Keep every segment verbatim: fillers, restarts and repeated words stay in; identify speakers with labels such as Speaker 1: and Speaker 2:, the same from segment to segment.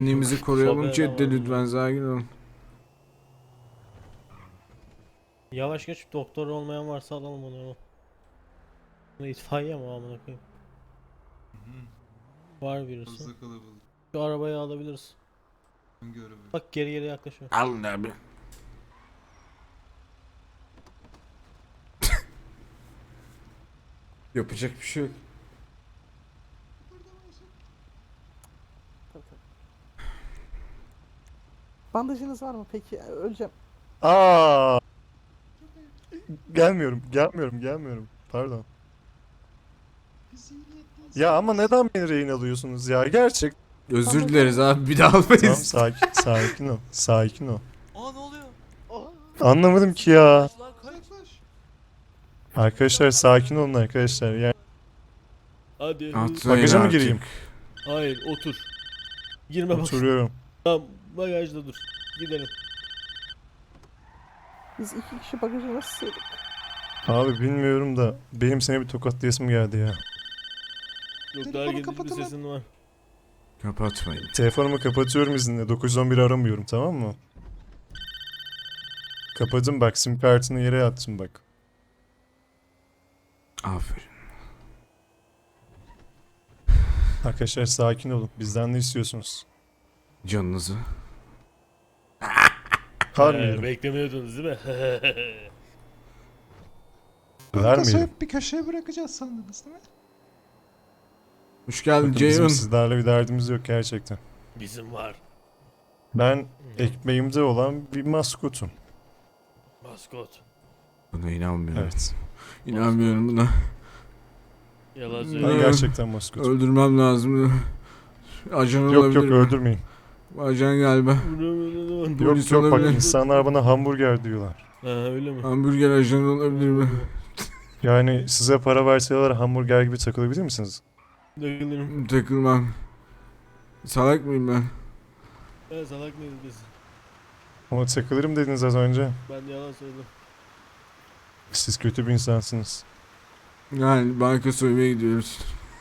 Speaker 1: Kendimizi koruyalım
Speaker 2: Sobe
Speaker 1: chatte
Speaker 2: eleman
Speaker 1: lütfen,
Speaker 2: ya.
Speaker 1: sakin olun.
Speaker 2: Yavaş geç, doktor olmayan varsa alalım onu. Bu itfaiye mi amına koyayım? Var birisi.
Speaker 3: Fazla kalabalık.
Speaker 2: Şu arabayı alabiliriz.
Speaker 3: Hangi araba?
Speaker 2: Bak geri geri yaklaşıyor.
Speaker 1: Alın abi. Yapacak bir şey yok.
Speaker 4: Tabii, tabii. Bandajınız var mı peki? Öleceğim.
Speaker 5: Aa, gelmiyorum, gelmiyorum, gelmiyorum. Pardon. Ya ama neden beni rehin alıyorsunuz ya? Gerçek.
Speaker 1: Özür dileriz abi, bir daha
Speaker 5: Tamam,
Speaker 1: almayız.
Speaker 5: sakin, sakin ol, sakin ol.
Speaker 6: Aa ne oluyor?
Speaker 5: Anlamadım ki ya.
Speaker 6: Lan kaç.
Speaker 5: Arkadaşlar sakin olun arkadaşlar. Yani
Speaker 2: Hadi.
Speaker 1: Atlayın
Speaker 5: Bagaja mı
Speaker 1: artık.
Speaker 5: gireyim?
Speaker 2: Hayır, otur. Girme bak.
Speaker 5: oturuyorum.
Speaker 2: Tamam, bagajda dur. Gidelim.
Speaker 4: Biz iki kişi bagajı nasıl sığdık?
Speaker 5: Abi bilmiyorum da benim seni bir tokatlayasım geldi ya.
Speaker 2: Yok,
Speaker 4: Telefonu
Speaker 2: daha geniş bir
Speaker 4: kapatın lan.
Speaker 2: sesin var.
Speaker 1: Kapatmayın.
Speaker 5: Telefonumu kapatıyorum izinle. dokuz on bir aramıyorum, tamam mı? Kapadım bak, sim kartını yere attım bak.
Speaker 1: Aferin.
Speaker 5: Arkadaşlar sakin olun. Bizden ne istiyorsunuz?
Speaker 1: Canınızı.
Speaker 5: Harmıyorum.
Speaker 2: Ee, beklemiyordunuz değil mi?
Speaker 5: Vermeyelim.
Speaker 3: Kasayı bir köşeye bırakacağız sandınız değil mi?
Speaker 1: Hoş geldin
Speaker 5: Bakın bizim
Speaker 1: Ceyhun.
Speaker 5: sizlerle bir derdimiz yok gerçekten.
Speaker 2: Bizim var.
Speaker 5: Ben ekmeğimde olan bir maskotum.
Speaker 2: Maskot.
Speaker 1: Buna inanmıyorum.
Speaker 5: Evet.
Speaker 1: İnanmıyorum buna.
Speaker 2: Yalan
Speaker 5: Ben
Speaker 2: söylüyor.
Speaker 1: Evet.
Speaker 5: gerçekten maskotum.
Speaker 1: Öldürmem lazım. Ajan
Speaker 5: Yok
Speaker 1: olabilir
Speaker 5: yok
Speaker 1: mi?
Speaker 5: öldürmeyin.
Speaker 1: Ajan galiba.
Speaker 5: Yok
Speaker 1: Polis
Speaker 5: yok bak,
Speaker 1: olabilir.
Speaker 5: insanlar bana hamburger diyorlar.
Speaker 2: Ha öyle mi?
Speaker 1: Hamburger ajanı olabilir mi?
Speaker 5: Yani size para verseler hamburger gibi takılabilir misiniz?
Speaker 2: Dökülürüm.
Speaker 1: Takılmam. Salak mıyım ben?
Speaker 2: Ben salak mıyız biz?
Speaker 5: Ama takılırım dediniz az önce.
Speaker 2: Ben yalan söyledim.
Speaker 5: Siz kötü bir insansınız.
Speaker 1: Yani banka soymaya gidiyoruz.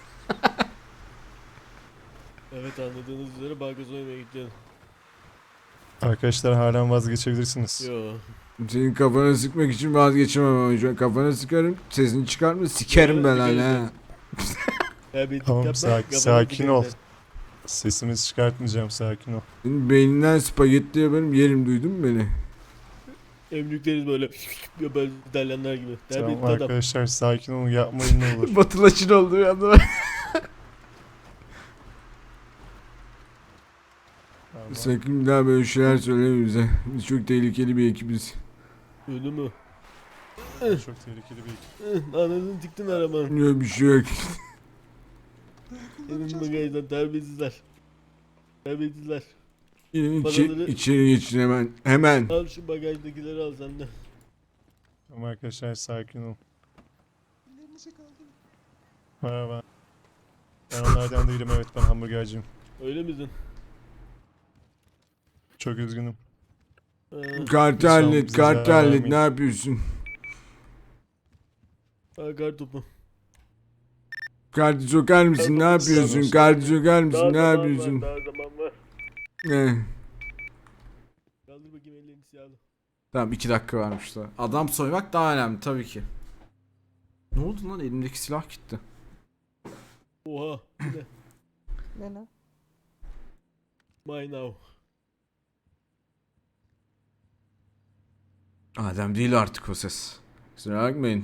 Speaker 2: Evet, anladığınız üzere banka soymaya gideceğim.
Speaker 5: Arkadaşlar halen vazgeçebilirsiniz.
Speaker 2: Yo.
Speaker 1: Senin kafana sıkmak için vazgeçemem ama şu an kafana sıkarım. Sesini çıkarma, sikerim ben
Speaker 2: Sıkarız
Speaker 1: hala.
Speaker 2: Ya bir
Speaker 5: Tamam,
Speaker 2: yapma,
Speaker 5: sakin-
Speaker 2: kafanı
Speaker 5: sakin
Speaker 2: dikkat
Speaker 5: ol.
Speaker 2: et.
Speaker 5: Sesimizi çıkartmayacağım, sakin ol.
Speaker 1: Senin beyninden spagetti yaparım, yerim, duydun mu beni?
Speaker 2: Emlükleriz böyle ya böyle İtalyanlar gibi.
Speaker 5: Tamam
Speaker 2: Terbiyesiz adam.
Speaker 5: arkadaşlar sakin olun, yapmayın ne olur.
Speaker 1: Batılaşın oldu bir anda.
Speaker 5: Tamam.
Speaker 1: Sakın bir daha böyle şeyler söyleme bize. Biz çok tehlikeli bir ekibiz.
Speaker 2: Öldü mü?
Speaker 5: Çok tehlikeli bir ekip.
Speaker 2: Anasını tiktin arabanın.
Speaker 1: Yok bir şey yok.
Speaker 2: Benim bagajdan terbiyesizler. Terbiyesizler.
Speaker 1: İçi,
Speaker 2: Paraları-
Speaker 1: içeri geçin hemen. Hemen.
Speaker 2: Al şu bagajdakileri al sen de.
Speaker 5: Tamam arkadaşlar sakin olun.
Speaker 3: Ellerinizi kaldırın.
Speaker 5: Merhaba. Ben onlardan değilim, evet ben hamburgerciyim.
Speaker 2: Öyle misin?
Speaker 5: Çok üzgünüm.
Speaker 2: Ha,
Speaker 1: Kartı
Speaker 5: Lütfen
Speaker 1: hallet,
Speaker 5: bize
Speaker 1: kartı
Speaker 5: zarar
Speaker 1: hallet.
Speaker 5: vermeyin.
Speaker 1: Ne yapıyorsun?
Speaker 2: ha kar topu.
Speaker 1: Kartı sokar mısın? Ne yapıyorsun? Kartı sokar mısın? Ne
Speaker 2: zaman
Speaker 1: yapıyorsun?
Speaker 2: var, daha zaman var.
Speaker 1: Ne?
Speaker 2: Kaldır bakayım ellerini siyahlı.
Speaker 1: Tamam, iki dakika varmış da. Adam soymak daha önemli tabii ki. Ne oldu lan, elimdeki silah gitti.
Speaker 2: Oha. Bu ne?
Speaker 4: Ne ne?
Speaker 2: My now.
Speaker 1: Adem değil artık o ses. Kusura bakmayın.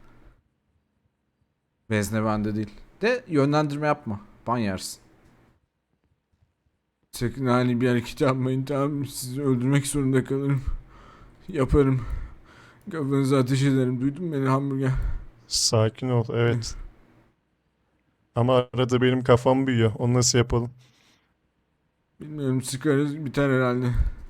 Speaker 1: Vezne bende değil. De yönlendirme yapma. Ban yersin. Sakın hani bir hareket yapmayın, tamam mı? Sizi öldürmek zorunda kalırım. Yaparım. Kafanıza ateş ederim. Duydun mu beni hamburger?
Speaker 5: Sakin ol, evet. Ama arada benim kafam büyüyor. Onu nasıl yapalım?
Speaker 1: Bilmiyorum, sıkarız biter herhalde.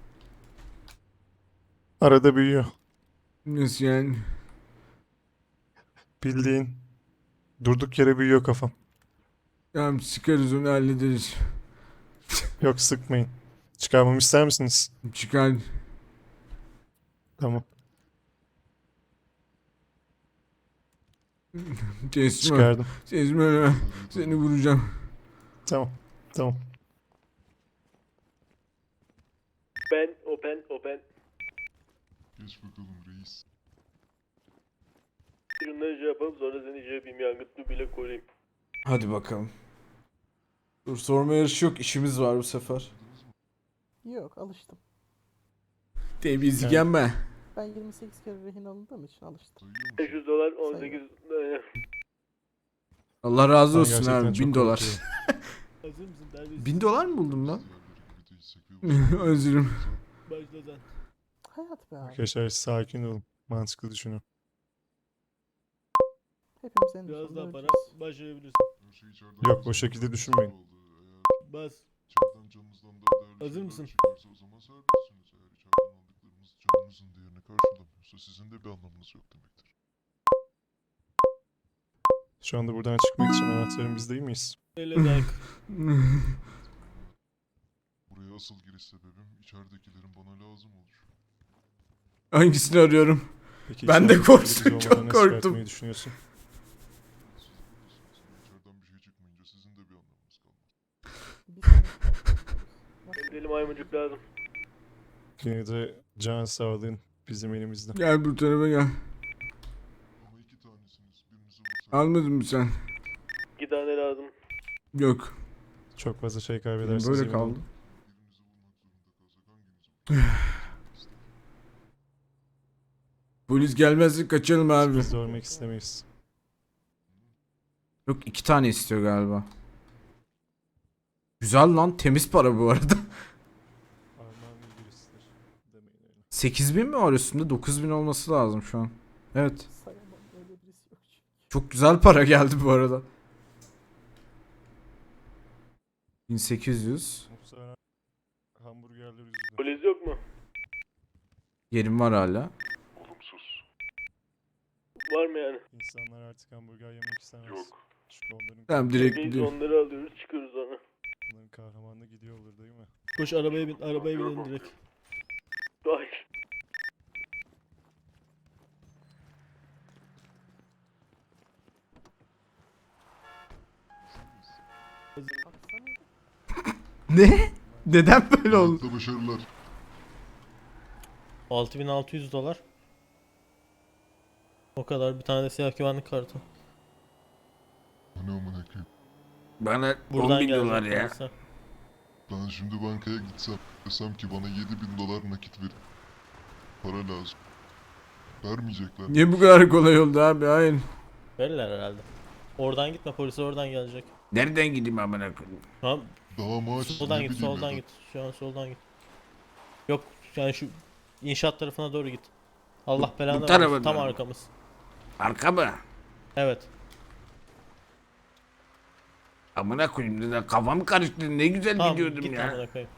Speaker 5: Arada büyüyor.
Speaker 1: Nasıl yani?
Speaker 5: Bildiğin. Durduk yere büyüyor kafam.
Speaker 1: Tamam, sıkarız onu, hallederiz.
Speaker 5: Yok sıkmayın. Çıkarmamı ister misiniz?
Speaker 1: Çıkar.
Speaker 5: Tamam.
Speaker 1: Teslim ol.
Speaker 5: Çıkardım.
Speaker 1: Teslim ol. Seni vuracağım.
Speaker 5: Tamam. Tamam.
Speaker 2: Ben, open, open.
Speaker 6: Geç bakalım reis.
Speaker 2: Şunları şey yapalım sonra seni şey yapayım yangıtlı bile koruyayım.
Speaker 1: Hadi bakalım. Dur sorma yarışı yok. İşimiz var bu sefer.
Speaker 4: Yok, alıştım.
Speaker 1: Temizlik
Speaker 5: Yani-
Speaker 1: yenme.
Speaker 4: Ben yirmi sekiz kere rehin alındığım için alıştım.
Speaker 6: Sayıyor musun?
Speaker 2: beş yüz dolar on sekiz.
Speaker 1: Allah razı
Speaker 5: Ben
Speaker 1: olsun
Speaker 5: gerçekten
Speaker 1: abi.
Speaker 5: çok
Speaker 1: Bin dolar.
Speaker 5: korkuyorum.
Speaker 2: Hazır mısın? Neredesin?
Speaker 1: Bin dolar mı buldum lan?
Speaker 6: Diğerleri gibi değilsek ve bu
Speaker 1: Özürüm.
Speaker 2: Başla sen.
Speaker 4: Hayat be abi.
Speaker 5: Arkadaşlar sakin olun. Mantıklı düşünün.
Speaker 4: Hepimiz en
Speaker 2: Biraz
Speaker 4: sonunda
Speaker 2: daha para
Speaker 4: öleceğiz.
Speaker 2: başlayabilirsin.
Speaker 6: her şey içeriden
Speaker 5: Yok, o
Speaker 6: bizim
Speaker 5: şekilde
Speaker 6: paramız
Speaker 5: düşünmeyin.
Speaker 6: oldu. Eğer
Speaker 2: Bas.
Speaker 6: içeriden canınızdan daha değerli
Speaker 2: Hazır
Speaker 6: şeyler
Speaker 2: mısın?
Speaker 6: çıkarsa o zaman serbestsiniz. Eğer içeriden aldıklarınız canınızın değerini karşılamıyorsa sizin de bir anlamınız yok demektir.
Speaker 5: Şu anda buradan çıkmak için anahtarın biz değil miyiz?
Speaker 2: Öyle dank.
Speaker 6: Buraya asıl giriş sebebim içeridekilerin bana lazım olur.
Speaker 1: Hangisini arıyorum?
Speaker 5: Peki
Speaker 1: Ben de
Speaker 5: içeride
Speaker 1: korktum,
Speaker 5: biz
Speaker 1: çok
Speaker 5: olmadan nasıl
Speaker 1: korktum.
Speaker 5: çıkartmayı düşünüyorsun?
Speaker 6: Siz bilirsiniz ama içeriden bir şey çıkmayınca sizin de bir anlamınız kalmaz.
Speaker 4: Bir sonraki- Nasıl?
Speaker 2: Deli maymuncuk lazım.
Speaker 5: Yine de can sağlığın bizim elimizde.
Speaker 1: Gel bu tarafa gel.
Speaker 6: Ama iki tanesiniz. Birinizi vursak...
Speaker 1: Almadın mı sen?
Speaker 2: İki tane lazım.
Speaker 1: Yok.
Speaker 5: Çok fazla şey kaybedersiniz.
Speaker 1: Böyle
Speaker 5: emin olun.
Speaker 1: kaldı.
Speaker 6: Birinizi vurmak zorunda kalsak hanginizi vursak?
Speaker 1: Polis gelmezse kaçalım abi.
Speaker 5: Biz de ölmek istemeyiz.
Speaker 1: Yok iki tane istiyor galiba. Güzel lan, temiz para bu arada.
Speaker 5: Armağan bilgisidir. Demeyin öyle.
Speaker 1: sekiz bin mi var üstünde? dokuz bin olması lazım şu an. Evet.
Speaker 4: Sayamam, öyle birisi yok çünkü.
Speaker 1: Çok güzel para geldi bu arada. bin sekiz yüz.
Speaker 5: Muhtemelen hamburgerler yüzünden.
Speaker 2: Polis yok mu?
Speaker 1: Yerim var hala.
Speaker 6: Olumsuz.
Speaker 2: Var mı yani?
Speaker 5: İnsanlar artık hamburger yemek istemez.
Speaker 6: Yok.
Speaker 5: Çünkü onların,
Speaker 1: Tamam direkt
Speaker 2: Biz
Speaker 1: gidiyorum.
Speaker 2: onları alıyoruz çıkıyoruz sonra.
Speaker 5: onların kahramanlığı gidiyor olur değil mi?
Speaker 2: Koş arabaya bin, arabaya binelim direkt. Hayır.
Speaker 4: Baksana.
Speaker 1: Ne? Neden böyle oldu?
Speaker 6: Hayatta başarılar.
Speaker 2: altı bin altı yüz dolar. O kadar bir tane de siyah güvenlik kartı.
Speaker 6: Ne amına koyayım.
Speaker 1: Bana
Speaker 2: Buradan
Speaker 1: on bin
Speaker 2: gelecek
Speaker 1: dolar ya.
Speaker 2: parası.
Speaker 6: Ben şimdi bankaya gitsem desem ki bana yedi bin dolar nakit verin. Para lazım. Vermeyecekler.
Speaker 1: Niye bu kadar kolay oldu abi? Hayır.
Speaker 2: Verirler herhalde. Oradan gitme polis oradan gelecek.
Speaker 1: Nereden gideyim amına koyayım?
Speaker 2: Tamam
Speaker 6: Daha maaş
Speaker 2: soldan
Speaker 6: ne
Speaker 2: git
Speaker 6: bileyim
Speaker 2: soldan
Speaker 6: ya.
Speaker 2: git. Şu an soldan git. Yok yani şu inşaat tarafına doğru git. Allah
Speaker 1: Bu-
Speaker 2: belanı
Speaker 1: bu
Speaker 2: versin.
Speaker 1: tarafa
Speaker 2: Tam
Speaker 1: doğru.
Speaker 2: arkamız.
Speaker 1: Arka mı?
Speaker 2: Evet.
Speaker 1: Amına koyayım dedi. Kafam karıştı. Ne güzel
Speaker 2: Tamam
Speaker 1: gidiyordum
Speaker 2: git
Speaker 1: ya.
Speaker 2: amına koyayım.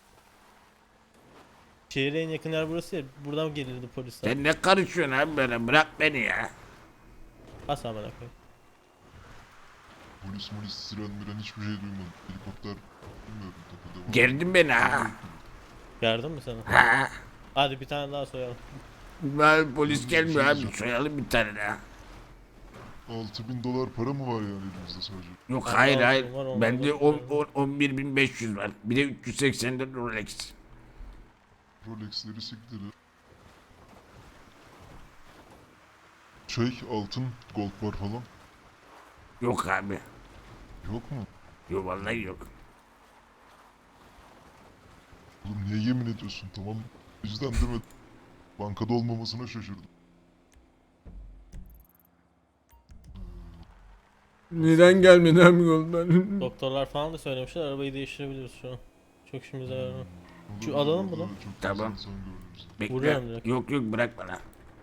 Speaker 2: Şehre en yakın yer burası ya. Buradan gelirdi polisler.
Speaker 1: Sen ne karışıyorsun abi böyle? Bırak beni ya.
Speaker 2: Bas amına koyayım.
Speaker 6: Polis molis siren miren hiçbir şey duymadım. Helikopter bilmiyorum tepede var.
Speaker 1: Gerdin beni ha.
Speaker 2: Gördün mü seni?
Speaker 1: Ha.
Speaker 2: Hadi bir tane daha soyalım.
Speaker 1: Ben polis gelmiyor abi. Soyalım bir tane daha.
Speaker 6: altı bin dolar para mı var yani elimizde sadece?
Speaker 1: Yok
Speaker 2: Ben
Speaker 1: hayır
Speaker 2: de
Speaker 1: hayır.
Speaker 2: aldım, var, onları
Speaker 1: Bende
Speaker 2: da
Speaker 1: on-
Speaker 2: tutuyorum.
Speaker 1: on- on bir bin beş yüz var. Bir de üç yüz seksen dört Rolex.
Speaker 6: Rolex'leri siktir. Şey altın gold bar falan.
Speaker 1: Yok abi.
Speaker 6: Yok mu?
Speaker 1: Yok vallahi yok.
Speaker 6: Oğlum niye yemin ediyorsun tamam? O yüzden değil mi? Bankada olmamasına şaşırdım.
Speaker 1: Neden gelmedi abi yoldan?
Speaker 2: Doktorlar falan da söylemişler arabayı değiştirebiliriz şu an. Çok işimize yarar.
Speaker 6: Olur,
Speaker 2: Şu
Speaker 6: olur,
Speaker 2: alalım
Speaker 6: orada
Speaker 2: bunu.
Speaker 6: Çok
Speaker 1: Tamam.
Speaker 6: tamam. insan görürüz.
Speaker 1: Bekle.
Speaker 2: Vuruyorum direkt.
Speaker 1: Yok yok bırak bana.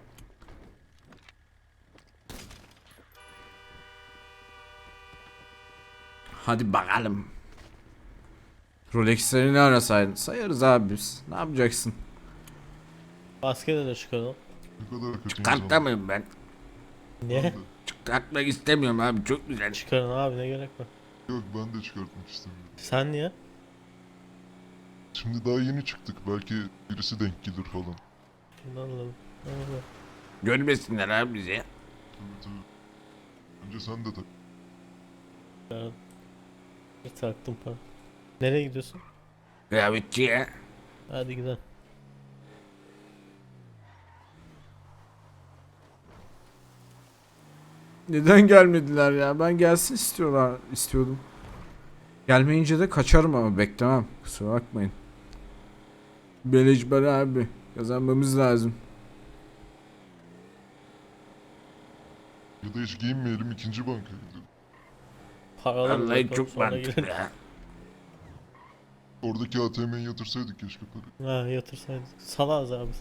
Speaker 1: Hadi bakalım. Rolex'leri ne arasaydın? Sayarız abi biz. Ne yapacaksın?
Speaker 2: Maskede de çıkaralım.
Speaker 6: Ne kadar kötü
Speaker 1: Çıkartta mıyım ben?
Speaker 2: Niye?
Speaker 6: Ben de.
Speaker 1: Çıkartmak istemiyorum abi. Çok güzel.
Speaker 2: Çıkarın abi ne gerek var.
Speaker 6: Yok ben de çıkartmak istemiyorum.
Speaker 2: Sen niye?
Speaker 6: Şimdi daha yeni çıktık. Belki birisi denk gelir falan.
Speaker 2: Anladım. Anladım.
Speaker 1: Görmesinler abi bizi.
Speaker 6: Tabii tabii. Önce sen de tak.
Speaker 2: Bir taktım para. Nereye gidiyorsun?
Speaker 1: Kıyafetçiye.
Speaker 2: Hadi gidelim.
Speaker 1: Neden gelmediler ya? Ben gelsin istiyorlar istiyordum. Gelmeyince de kaçarım ama beklemem. Kusura bakmayın. Beleş para abi. Kazanmamız lazım.
Speaker 6: Ya da hiç giyinmeyelim, ikinci bankaya gidelim.
Speaker 2: Paraları
Speaker 1: Vallahi
Speaker 2: bakalım,
Speaker 1: çok
Speaker 2: sonra
Speaker 1: mantıklı
Speaker 2: gidelim.
Speaker 1: ya.
Speaker 6: Oradaki A T M'ye yatırsaydık keşke parayı.
Speaker 2: Ha yatırsaydık. Salağız abi.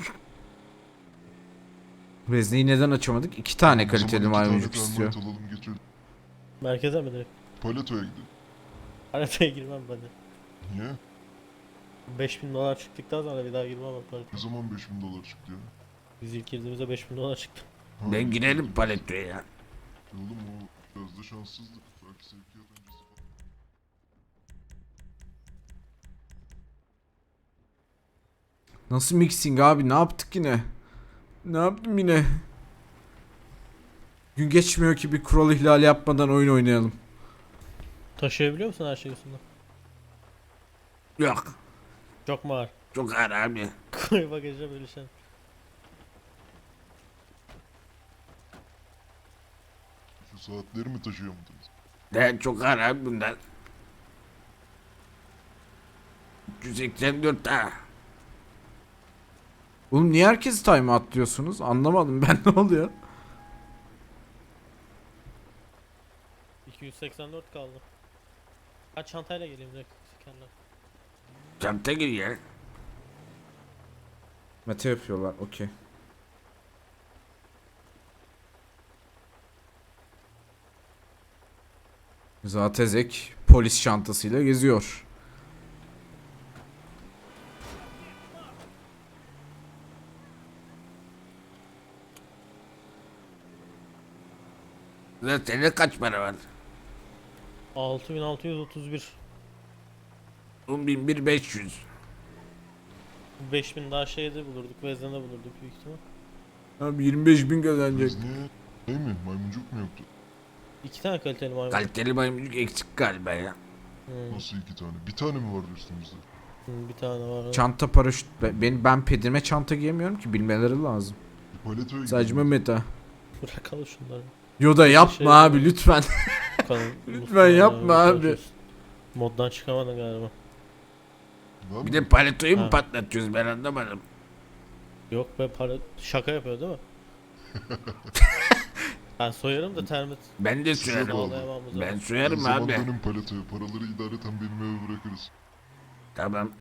Speaker 1: Vezneyi neden açamadık? İki tane
Speaker 6: O zaman
Speaker 1: kaliteli
Speaker 6: iki tane
Speaker 1: maymuncuk istiyor.
Speaker 6: termite alalım geçelim.
Speaker 2: Merkeze mi direkt?
Speaker 6: Paleto'ya gidelim.
Speaker 2: Haritaya girmem ben de.
Speaker 6: Niye?
Speaker 2: beş bin dolar çıktıktan sonra bir daha girmem ben haritaya.
Speaker 6: Ne zaman beş bin dolar çıktı ya?
Speaker 2: Biz ilk girdiğimizde beş bin dolar çıktı.
Speaker 6: Ha,
Speaker 1: Ben girelim
Speaker 6: evet.
Speaker 1: paletoya ya.
Speaker 6: Oğlum o biraz da şanssızlık. Belki sevkiyat öncesi falan.
Speaker 1: Nasıl mixing abi? Ne yaptık yine? Ne yaptım yine? Gün geçmiyor ki bir kural ihlali yapmadan oyun oynayalım.
Speaker 2: Taşıyabiliyor musun her şeyi üstünde?
Speaker 1: Yok.
Speaker 2: Çok mu ağır?
Speaker 1: Çok ağır abi.
Speaker 2: Koy bagaja bölüşelim.
Speaker 6: Şu saatleri mi taşıyor musunuz?
Speaker 1: De çok ağır abi bundan. üç yüz seksen dört ha. Oğlum niye herkes time atlıyorsunuz? Anlamadım ben, ne oluyor?
Speaker 2: iki yüz seksen dört kaldı. Ben çantayla geleyim direkt kendim.
Speaker 1: Çanta gir ya. Mete yapıyorlar, okey. Zatezek polis çantasıyla geziyor. Lan senin kaç para var?
Speaker 2: altı bin altı yüz otuz bir.
Speaker 1: on bin bir beş yüz.
Speaker 2: beş bin daha şeyde bulurduk, Vezne'de bulurduk büyük ihtimal.
Speaker 1: Abi yirmi beş bin kazanacak.
Speaker 6: Biz niye? Şey mi? Maymuncuk mu yoktu?
Speaker 2: İki tane kaliteli maymun.
Speaker 1: Kaliteli maymuncuk eksik galiba ya.
Speaker 2: Hmm,
Speaker 6: Nasıl iki tane? Bir tane mi vardı üstümüzde?
Speaker 2: hmm, bir tane var.
Speaker 1: Çanta paraşüt. Ben, ben, ben pedime çanta giyemiyorum ki, bilmeleri lazım.
Speaker 6: Bir paletoya
Speaker 1: Sadece
Speaker 6: gidelim.
Speaker 1: meta.
Speaker 2: Bırakalım şunları.
Speaker 1: Yoda yapma
Speaker 2: Şey-
Speaker 1: abi lütfen.
Speaker 2: Bakalım,
Speaker 1: Lütfen
Speaker 2: Mustafa
Speaker 1: yapma
Speaker 2: ya,
Speaker 1: abi.
Speaker 2: konuşuyoruz. Moddan çıkamadın galiba.
Speaker 6: Var
Speaker 1: Bir
Speaker 6: mı?
Speaker 1: de paletoyu mu
Speaker 2: Ha.
Speaker 1: patlatıyoruz, ben anlamadım.
Speaker 2: Yok be, para şaka yapıyor değil mi? Ben soyarım da termit
Speaker 1: Ben de
Speaker 6: Size
Speaker 1: sürerim.
Speaker 6: bağlı.
Speaker 2: bağlayamam o zaman.
Speaker 1: Ben
Speaker 6: Her
Speaker 1: sürerim
Speaker 6: zaman
Speaker 1: abi.
Speaker 6: dönün paletoya. Paraları idareten benim eve bırakırız.
Speaker 1: Tamam.